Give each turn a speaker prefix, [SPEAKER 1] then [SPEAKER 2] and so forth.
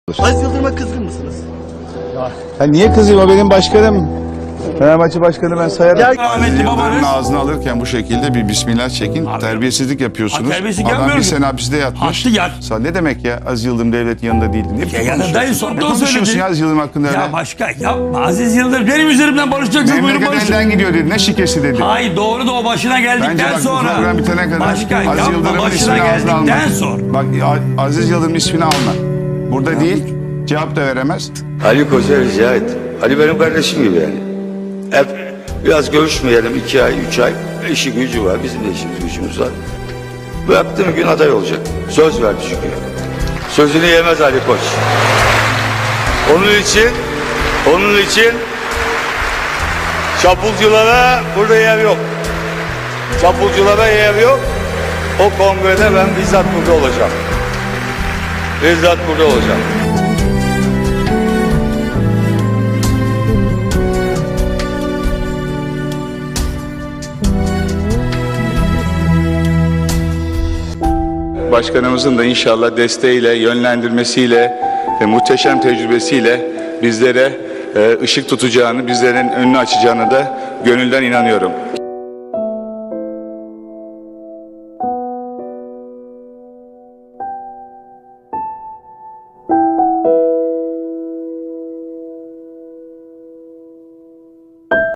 [SPEAKER 1] Aziz Yıldırım'a kızgın mısınız?
[SPEAKER 2] Ya niye kızayım, o benim başkanım. Fenerbahçe başkanı, ben sayarım.
[SPEAKER 1] Ya,
[SPEAKER 3] Aziz
[SPEAKER 4] Rahmetli
[SPEAKER 3] Yıldırım'ın
[SPEAKER 4] babanız.
[SPEAKER 3] ağzını alırken bu şekilde bir bismillah çekin. Terbiyesizlik yapıyorsunuz.
[SPEAKER 4] terbiyesizlik
[SPEAKER 3] Adam
[SPEAKER 4] yapmıyorum.
[SPEAKER 3] bir sene hapiste yatmış.
[SPEAKER 4] Hattı yat.
[SPEAKER 3] Ne demek ya? Aziz Yıldırım devletin yanında değildi. Ne biçim
[SPEAKER 4] yanındayım,
[SPEAKER 3] konuşuyorsun?
[SPEAKER 4] sonunda
[SPEAKER 3] Ne
[SPEAKER 4] o
[SPEAKER 3] konuşuyorsun
[SPEAKER 4] söyledi.
[SPEAKER 3] ya Aziz Yıldırım hakkında öyle?
[SPEAKER 4] Ya başka yapma. Aziz Yıldırım benim üzerimden barışacaksınız. Buyurun
[SPEAKER 3] Memleket
[SPEAKER 4] barışın.
[SPEAKER 3] elden gidiyor dedi. Ne şikesi dedi.
[SPEAKER 4] Hayır doğru da o başına
[SPEAKER 3] Bence
[SPEAKER 4] geldikten
[SPEAKER 3] bak bu
[SPEAKER 4] sonra.
[SPEAKER 3] program bitene kadar
[SPEAKER 4] Başka
[SPEAKER 3] Aziz
[SPEAKER 4] yapma,
[SPEAKER 3] Yıldırım'ın
[SPEAKER 4] başına
[SPEAKER 3] ismini ağzına alma.
[SPEAKER 4] geldikten sonra.
[SPEAKER 3] Bak Aziz Yıldırım'ın ismini alma. Burada değil. Cevap da veremez.
[SPEAKER 5] Ali Koç'a rica et. Ali benim kardeşim gibi yani. Hep biraz görüşmeyelim 2 ay, 3 ay. İşi gücü var, bizim de işimiz gücümüz var. Bıraktığım gün aday olacak. Söz verdi çünkü. Sözünü yemez Ali Koç. Onun için çapulculara burada yer yok. Çapulculara yer yok. O kongrede ben bizzat burada olacağım. Bizzat burada olacağım.
[SPEAKER 3] Başkanımızın da inşallah desteğiyle, yönlendirmesiyle ve muhteşem tecrübesiyle bizlere ışık tutacağını, bizlerin önünü açacağını da gönülden inanıyorum.